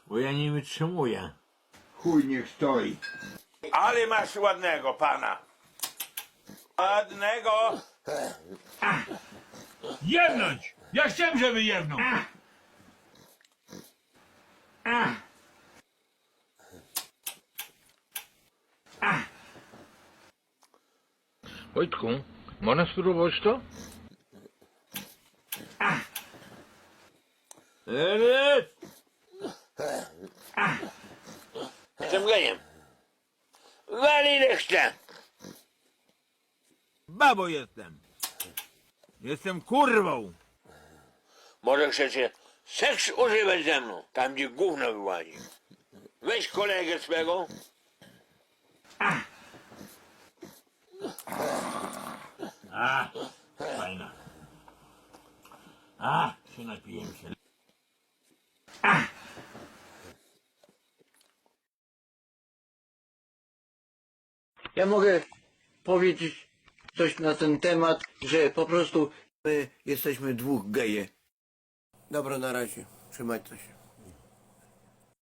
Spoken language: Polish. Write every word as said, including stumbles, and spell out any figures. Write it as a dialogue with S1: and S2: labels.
S1: bo ja nie wytrzymuję.
S2: Chuj niech stoi.
S3: Ale masz ładnego pana. Ładnego.
S4: Jebnąć! Ja chciałem, żeby jebnął.
S1: Wojtku, można spróbować to? Eee!
S3: Jestem gejem. Wali ile chce.
S1: Babo jestem. Jestem kurwą.
S3: Może chcecie seks używać ze mną, tam gdzie gówno wyłazi. Weź kolegę swego.
S1: A, fajna. A, się napiję się.
S5: Ja mogę powiedzieć coś na ten temat, że po prostu my jesteśmy dwóch geje. Dobra, na razie. Trzymajcie się.